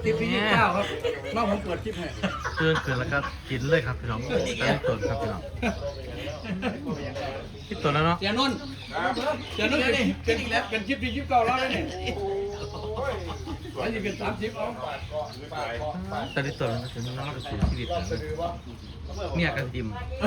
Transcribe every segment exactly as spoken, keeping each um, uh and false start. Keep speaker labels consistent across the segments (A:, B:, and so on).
A: คลิปที่ยี่สิบเก้าครับน้องผมเปิดคลิปให้
B: เตือนเกินแล้วก็กินเลยครับพี่น้องตอนต้นครับพี่น้องคิดตัวแล้วเนาะ
A: เสียนุ่นเสียนุ่นเป็นเป็นเป็นคลิปที่ยี่สิบเก้าแล้วเนี่ยแล้วจะเป็นสามสิบเอา
B: ตอนนี้ตัวแล้วถึงน้องจะสูญชีวิตเนี่ยกันดิม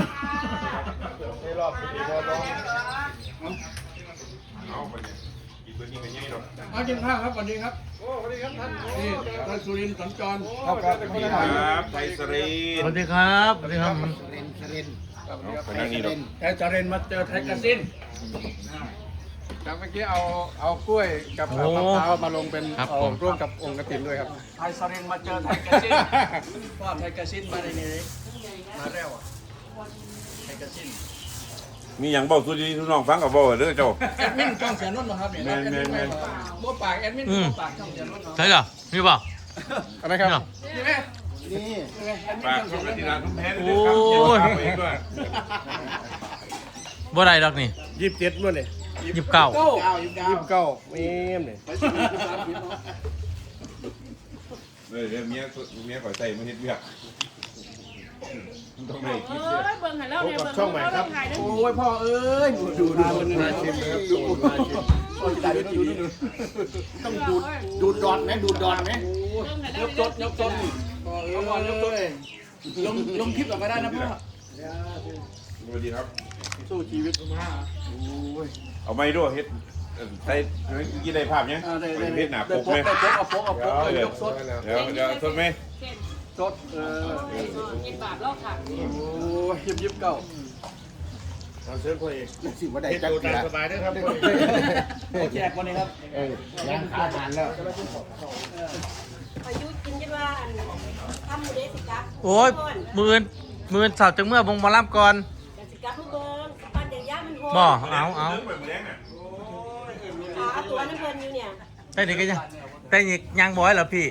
A: มากินข้าวครับสวัสดีครับโอ้สวัสดีครับท่านนี่ท่านสุรินทร์สัญจร
C: ครับครับไทยสรี
B: สวัสดีครับสวัสดีครับ
A: สุรินทร์สุรินทร์ไทยสรินไทยสรินมาเจอไทยกระสินครับเมื่อกี้เอาเอากล้วยกับมะพร้าวมาลงเป็นเอาร่วมกับองค์กฐินด้วยครับไทยสรินมาเจอไทยกระสินป้อนไทยกระสินมาในนี้มาแล้วอ่ะไทยกระสิน
C: มีอย่างบอกสุดที่ทุกน้องฟังกับบอกเด้อเจ้า
A: แอดมินช่องเสียนุ่นนะครับเนี่ยแอดมินบัวปากแอดมินบัวปากช่องเสียนุ่น
B: ใช่เหรอนี่เปล่า
A: อะไรครับนี่ไหมนี่
C: ปากช่องที่ร้านทุกแพ้เลย
B: โอ้ยบ่ได้ดอกนี่
D: ยี่สิบเจ็ดมั้งเนี่ย
B: ยี่สิบเก้า
D: ยี่สิบเก้าเมมเนี่ย
C: เดี๋ยวเมียเมียก่อยใส่มาเฮ็ดเวียกต้องเลยคิด
E: เอ้ยเบิ่งหันแล้วเนี่ยเบิ่งช่องใหม่ครับ
A: โอ้ยพ่อเอ้ยดูดูดูมาชิมครับดูมาชิมโอ้ยตายดูดูดูต้องดูดูดอนไหมดูดอนไหมยกจดยกจดพ่อเอ้ยลงลงคลิปออกมาได้นะพ่อ
C: สวัสดีครับ
A: สู้ชีวิตมาโอ้ย
C: เอาไม้ด้วยเฮ็ดใส่กี่ได้ภาพยังเฮ็ดหนาปกไหม
A: เอาปกเอาปกเอายกสด
C: เดี๋ยวเดี๋ยวสดไหม
A: สดเออ
E: กินบาทเล่าค่ะ
A: โอ้ยยิบยิบเก่า
D: เอาเชิญพ่อเอก
A: สิว่าได้จั
D: กรสบายด้วยครับ
A: เอาแจกวันนี้ครับ
D: เออยังอาหารแล้ว
E: อายุกินกันว่าอันทำมือเด็กสิครับ
B: โอ้ยมือนมือนสาวจังเมื่อวงมาล่ำก่อน
E: สิครับทุกเบิ้งปั้นเดี๋ยวย่ามันโหด
B: บ่เอาเอา
E: เอาตัวน้ำเพลินอยู่เนี่ย
B: แต่นี่ก็ยังแต่นี่ยังบ่อยเหรอพี่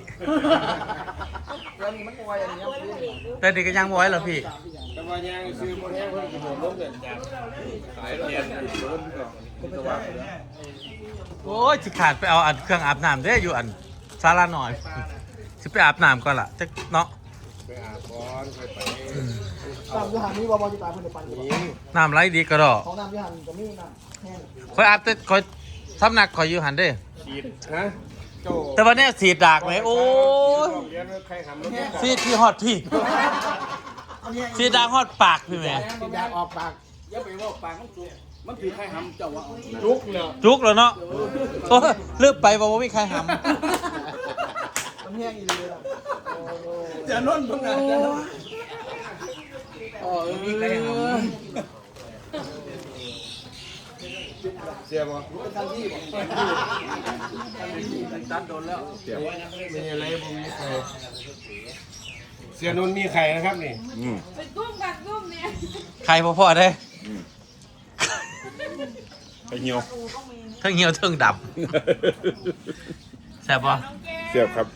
B: แต่นี่ก็ยังบ่อยเหรอพี่
D: แต่ว่ายังซื้อโมเดลเพิ่มกระโดดล้มเด่นจากหลายเดือนล้มก่อน
B: โอ้ยสิขาดไปเอาอันเครื่องอาบน้ำได้อยู่อันซาลาหน่อยสิไปอาบน้ำก่อนล่ะจักเนาะ
D: ไปอาบก่อนไปไป
A: น้ำยูหันนี่ว่าบอลจะตายคนเดียวปัน
B: น้ำไหลดีกระดอ
A: ของน้ำยูหันจะมีน้ำแห้ง
B: คอยอาบแต่คอยทำหนักคอยยูหันได้
D: ฉีดฮะ
B: แต่วันนี้สีดากไหมโอ้ยสีที่ฮอตพี่สีดากฮอตปากพี่แม่
A: สีดากออกปากอย่าไปว่าปากมันจุกมันคือใครหำเจ้าวะ
D: จุกเนาะ
B: จุกแล้วเนาะเลือกไปบอกว่าไม่ใครหำ
A: มันแห้งอีเลยจะนุ่นตรงไหนจะนุ่นอ๋อมีใครหำ
D: เสียบ่
A: ทันทีบ่ทันทีตัดโดนแล้ว
D: เสียมีอะไรบ่มีใครเสียนุ่นมีไข่นะครับนี่
E: เป็นกุ้งกับกุ้งเนี่ย
B: ใครพ่อๆได้
C: ไข่เหี่ยว
B: ทั้งเหี่ยวทั้งดำแซ่บป่ะ
C: เสียบครับ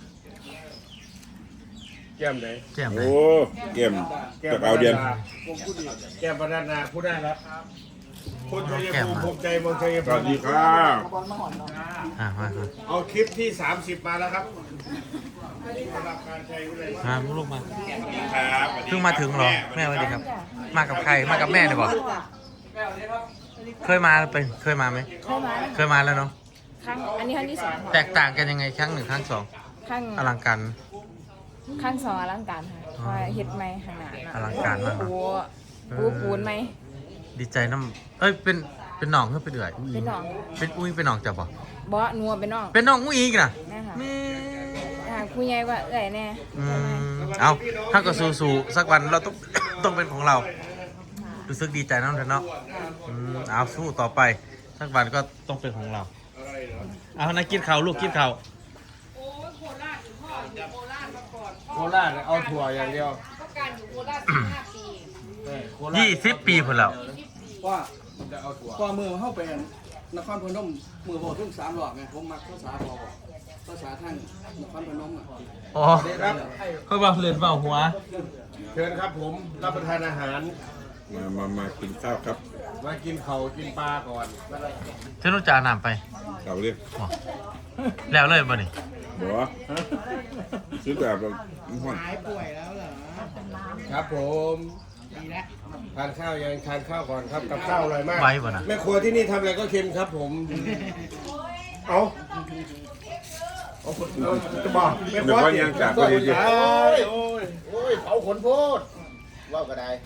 D: แก้มไหน
B: แก้มไหน
C: โอ้แก้มจากเอาเดียน
D: แก้มประดานาผู้ได้แล้วคนชัยภูมิภูมิใจเมืองชัยภูมิ
C: สวัสดีครับ
D: เอาคลิปที่สามสิบมาแล้วครับสำหรับการใช้เลย
B: มาลูกมาเพิ่งมาถึงเหรอแม่สวัสดีครับมากับใครมากับแม่ดีกว่าเคยมาเป็นเคยมาไหม
E: เคยมา
B: เคยมาแล้วเนาะ
E: ครั้งอันนี้ครั้งที่สอง
B: แตกต่างกันยังไงครั้งหนึ่งครั้งสอง
E: ครั้ง
B: อลังการ
E: ครั้งสองอลังการค่ะว่าเฮ็ดไหมขนาด
B: อลังการมาก
E: ปูปูปูนไหม
B: ดีใจน้ำเอ้ยเป็นเป็นหนองเพื่อไปเดือด
E: เป็นหนอง
B: เป็นอุ้ยเป็นหนองจับป่ะ
E: บ่นัวเป็นหนอง
B: เป็นหนองอุ้ยอีกนะ
E: แม่ค่ะคุยใหญ่กว่าเอ้ยแน่
B: เอาถ้าก็สู้ๆสักวันเราต้องต้องเป็นของเรารู้สึกดีใจน้องเถอะเนาะเอาสู้ต่อไปสักวันก็ต้องเป็นของเราเอานะกินข้าวลูกกินข้าว
E: โอ้ยโคราชอยู่พ่ออยู่โคราชมาก่อน
D: โคราชเอาถั่วอย่างเดียว
E: ก็การอยู่โคราชสิบห้าปี
B: ยี่สิบปีพอแล้ว
A: ว่าว่ามือเข้าไปนครพนมมือโบทุ่งสามหลอกไงผมมักภาษาพอภาษาทางนครพนมอ่ะ
B: อ๋อเขาบอกเรียนเปล่าหัว
D: เชิญครับผมรับประทานอาหาร
C: มามามากินข้าวครับ
D: มากินเข่ากินปลาก่อน
B: เช่นรู้จ่าน้ำไป
C: เข่าเรียก
B: แล้วเลยบ่นี่
C: บ่เสซื้อแบบแบบห้อน
D: หายป่วยแล้วเหรอครับผมดีแล้วทานข้าวยังทานข้าวก่อนครับกับข้าวอร่อยมาก
B: ไว้บ่นะ
D: แม่ครัวที่นี่ทำอะไรก็เค็มครับผมเอาเอาคนเอาจะบอกแม่ค
C: เดี๋
D: รั
C: ยว
D: ว
C: ก็ยังจากไปดี
D: โอ้ยโอ้ยโอ้ยเผาขนโพดว่าก็ได้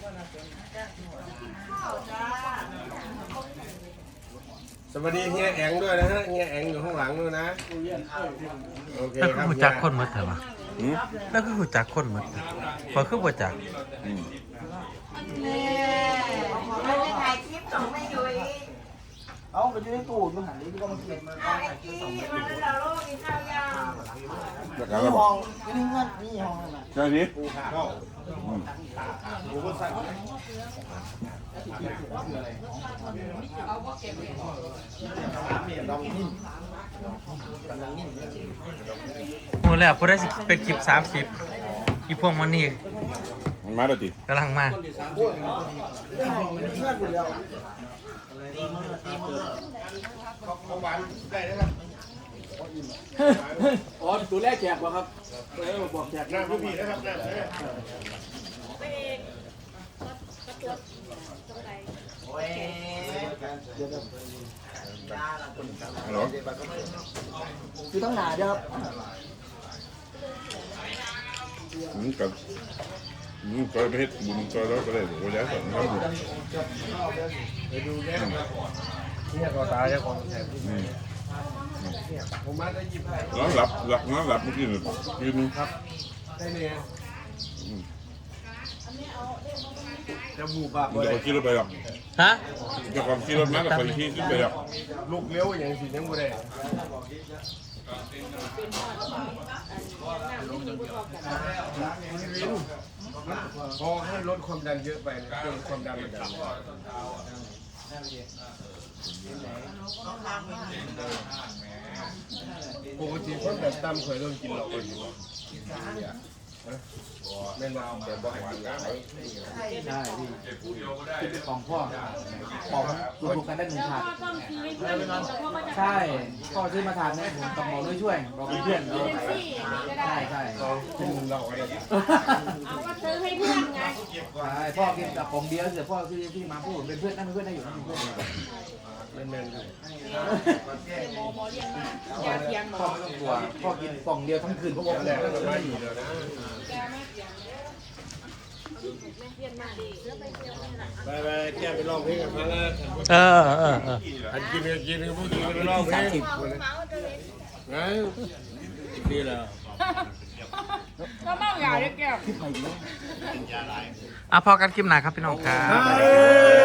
D: สวัสดีเฮียแองด้วยนะฮะเฮียแองอยู่ข้างหลังด้วยนะโอเค
B: แล้ว
D: ค
B: คือ
D: รับ
B: หูจักคนหมดเถอะวะ
C: อืม
B: แล้วคือหูจักคนหมดพอคือบ่จัก
C: อืม
E: เราจะถ่ายคลิปส่งให้ยุ้ย
F: เอาไปอยู่ในตู้มันหันนี้ก็มันเก็บ
E: ถ่ายกี้มันนั้นเราโลกกินข้าวยาว
C: จากการ
F: มี
C: ระบ
F: ห้
C: อ
F: อก งมีเงินมีห้องนั่นน่ะ
C: ใช่นี้
D: อืม
B: หมูแล้วผู้ได้สิเป็นคลิปสามสิบอีพวกมันนี่
C: มันมาแล้วติ
B: กำลังมา
F: อ๋อตัวแรกแจกวะครับตัวแรกบอกแจก
D: หน้าพี่พี่นะครับหน้า
E: ไปเองก็ตัวตรงไหน
C: ฮัลโหล
F: คือต้องหนาเดียวครับ
C: อืมกับอืมก็ไปเฮ็ดบุญก็แล้วก็เลยโอ้ยแล้วก็ทำบุญ
D: ไปดูแก้วเนี่ยก็ตายแล้วของแถม
C: อืม
D: ผมมาได้ยิบให้
C: นอนหลับหลับนอนหลับเมื่อกี้นี่ยืนครับ
D: ได้เนี่ยจะบูบา
C: เดี๋ยวขี่รถไปหรอก
B: ฮะ
C: เดี๋ยวก่อนขี่รถมาแล้วคนขี่ขึ้นไปหรอก
D: ลูกเลี้ยวอย่างสิยังบ่ได้พอให้ลดความดันเยอะไปเนี่ยเรื่องความดันมันดันปกติคนแบบตั้มเคยโดนกินหลอกกันอยู่แม่นว่าแต่บ่ให้กินหลาย
F: ใช่พี่ของพ่อของรวมกันได้หนึ่งถาด
E: ต้องซื้อให้เพื่อนแต่พ่อก็จะ
F: ใช่พ่อซื้อมาถาดนี้ผมกับหมอด้วยช่วยบอกเป็นเพื่อนเรา
E: เป็นซี่ก็ได้
F: ใช่ใช่
D: กินเหล้าอะไร
E: เอาก็ซื้อให้เพื่อนไง
F: ใช่พ่อกินกับของเดียวเสียพ่อที่ที่มาพูดเป็นเพื่อนนั่นเป็นเพื่อนได้อยู่นั่นเป็นเพื่อน
D: แม่นแม่นครับ
E: หมอหมอเรียกมาอย่าเถียงหม
F: พ่อ
E: อ
F: ไม่ต้องกลัวพ่อกินกล่องเดียวทั้งคืนเพราะว่า
D: แรกก็ไม่อยู่แล้วนะ
E: แกไม่เถียงแม่เรียนมาดีแล้วไปเที่ยวนี่แหละ
D: ไปไปแก้ไปร้องเพลงกันฟังนะ
B: เออเออเออ
D: อันกินกันกินกันพวกกินกันไปร้องเพลง
E: เมาเมาจะเล่น
D: ไงดีแล้ว
E: ก็เมาอย่าเรียกแก้ว
B: อ่ะพอกันคลิปหนาครับพี่น้องครับ
D: เฮ้